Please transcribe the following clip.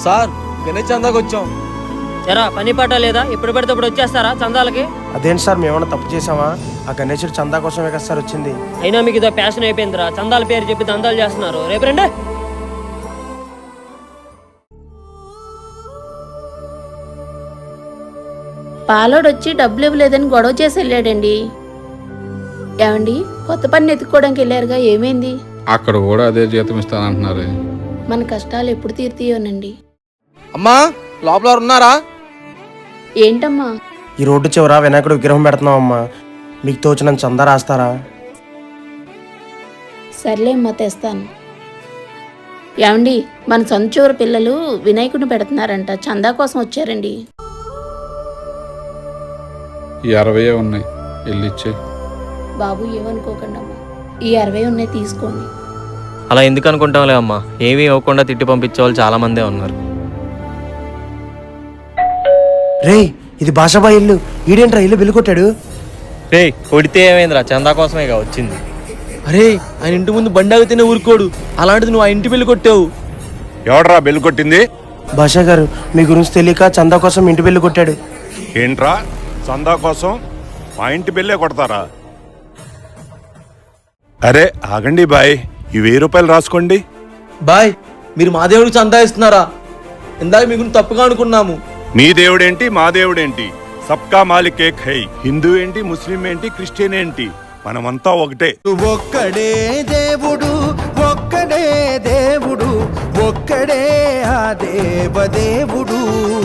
Sir Ganesh చందాకి వచ్చాం. ఎరా పని పాట లేదా? ఇప్పుడు పెడితే ఇప్పుడు వచ్చేస్తారా చందాలకి? అదేంటి సార్ మేమన్నా తప్పు చేసామా? ఆ గణేశుడు చందా కోసమే కదా సార్ వచ్చింది. అయినా మీకు ఇదో ప్యాషన్ అయిపోయిందిరా, చందాల పేరు చెప్పి దందాలు చేస్తున్నారు. రేపు రండి. పాలోడొచ్చి డబ్బులు ఇవ్వలేదని గొడవ చేసి వెళ్ళాడండి. ఏమండి, కొత్త పని ఎత్తుక్కోవడానికి వెళ్ళారుగా, ఏమైంది? అక్కడ కూడా అదే జీతం ఇస్తానంటున్నారు. మన కష్టాలు ఎప్పుడు తీరుతాయోనండి. అమ్మా లోపల ఉన్నారా? ఏంటమ్మా? ఈ రోడ్డు చివర వినాయకుడు విగ్రహం పెడుతున్నాం అమ్మా, మీకు తోచినంత చందా రాస్తారా? సర్లే అమ్మా, తెస్తాను. ఏమండి, మన సొంత చివరి పిల్లలు వినాయకుడిని పెడుతున్నారంట, చందా కోసం వచ్చారండి. 60 ఉన్నాయి, వెళ్ళిచ్చే. బాబు ఏమనుకోకండి అమ్మా, ఈ 60 ఉన్నాయి, తీసుకోండి. అలా ఎందుకు అనుకుంటాంలే అమ్మా, ఏమీ ఇవ్వకుండా తిట్టి పంపించే వాళ్ళు చాలా మందే ఉన్నారు. రే, ఇది భాషాబా ఇల్లు, ఈడేంట్రా ఇల్లు బిల్లు కొట్టాడు? రే కొడితే ఏమైందిరా, చందా కోసమేగా వచ్చింది. అరే ఆయన ఇంటి ముందు బండి ఆగితేనే ఊరుకోడు, అలాంటిది నువ్వు ఆ ఇంటి బిల్లు కొట్టావు. ఎవడ్రా బెల్లు కొట్టింది? భాషా గారు, మీ గురించి తెలియక చందా కోసం ఇంటి బిల్లు కొట్టాడు. ఏంట్రా చందా కోసం మా ఇంటి బిల్లే కొడతారా? అరే ఆగండి బాయ్, ఈ 1000 రూపాయలు రాసుకోండి. బాయ్ మీరు మా దేవుడికి చందా ఇస్తున్నారా? ఇందాక మీకు తప్పుగా అనుకున్నాము. మీ దేవుడేంటి మా దేవుడేంటి, సబ్కా మాలిక్ ఏక్ హై. హిందూ ఏంటి, ముస్లిం ఏంటి, క్రిస్టియన్ ఏంటి, మనమంతా ఒకటే. ఒక్కడే దేవుడు, ఒక్కడే దేవుడు, ఒక్కడే ఆ దేవదేవుడు.